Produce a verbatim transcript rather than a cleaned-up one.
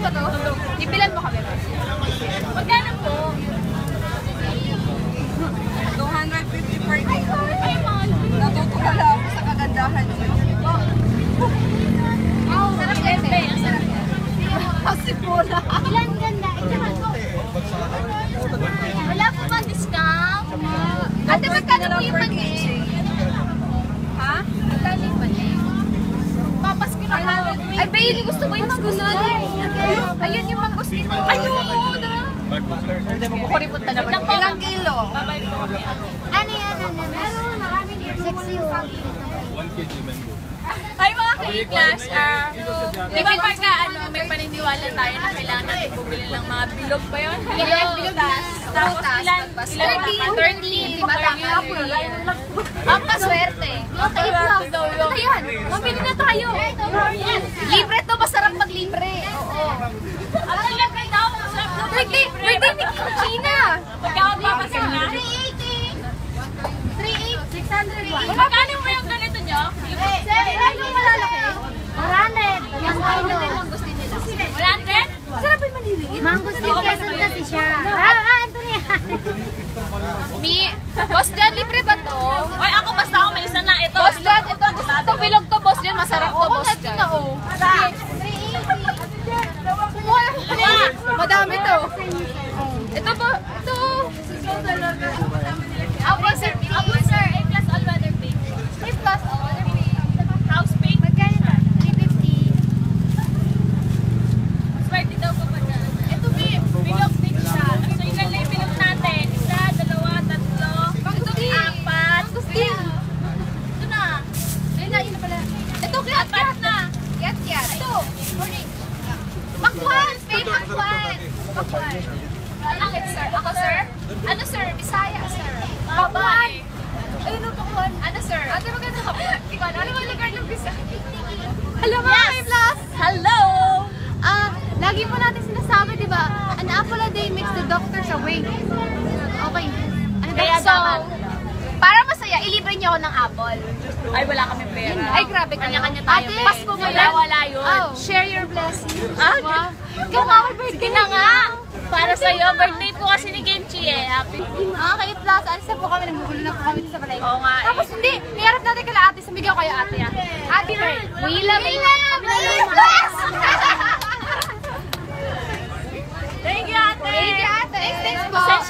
ba to? Ipilan mo kami. Magkano po? two hundred fifty per day. Natutulala ako sa kagandahan niyo. Oh, sarap kasi. Ang sarap yan. Kasi pula. Ilan ganda? Ikaw ko. Wala po ba discount? Ate, magkano po yung mani? Ha? Magkano yung mani? Papasko na ako. Ay, Bailey, gusto mo yung mangustin? Ayun yung mangustin. Ayun! Kukuripot na naman. Ilang kilo? Ano yan? Ano? Meron, marami dito. Sexy yun. one K G mango. Ay mga ka-class, ah, di ba pagka ano, may paniniwala tayo na kailangan natin bumili ng mga bilog pa yun? Bilog, bilog na. Tapos ilan? Ilan thirteen. ba? thirteen. Di ba tama? Ang paswerte. Okay lang. Ito yan. Mabili na tayo. Libre to. Masarap mag-libre. Oo. Ang libre daw. Masarap daw. Birthday, birthday ni China. Pagkawag papasok na. three eighty. three eighty. six hundred one. Magkano mo yung ganito nyo? Yung malalaki. Ranet. Yung ano din ang gusto nila. one hundred? Sarap yung maliliit. Mangustin Quezon kasi siya. Ah, ah, ito niya. Mi, Boss John, libre ba to? Oy, ako basta ako may isa na. Ito. Boss John, ito, ito bilog to, Boss John. Masarap to, Boss John. Madami to. Ito po, ito. Abo sir, abo sir. A plus all weather pink. A plus all. House pink. Magkano na? three fifty. Swerte daw kapag na. Ito bi, bilog din siya. So ilan lang yung bilog natin? Isa, dalawa, tatlo, apat. Mangustin. Ito na. Ayun na, yun na pala. Ito, kaya, Apat na. Yes, yes. Ito. Morning. Makwan! Babe, makwan! Makwan. Bakit, sir? Ako, sir? Ano, sir? Bisaya, sir. Makwan! Ayun, no, makwan. Ano, sir? Ate, maganda ka po. Di ko alam. Ano ba lugar ng Bisaya? Hello, mga K-Plus! Hello! Ah, lagi mo natin sinasabi, di ba? An apple a day makes the doctors awake. Okay. Ano ba? Kaya So, dapat. para masaya, ilibre niyo ako ng apple. Ay, wala kami pera. Ay, grabe kayo. Kanya-kanya tayo. Ate, eh. Pasko mo Wala, wala yun. Oh, share your blessings. Ah, Wow. Ikaw nga, may birthday Sige na nga. Para sa'yo, birthday po kasi ni Genchi eh. Happy. Okay, plus, alis na po kami, nagbugulo na po kami sa balay. Oo nga eh. Tapos hindi, niharap natin kala ate, sumigaw kayo ate ah. Ate, we love you. Thank you, ate. Thank you ate. Thanks, thanks po.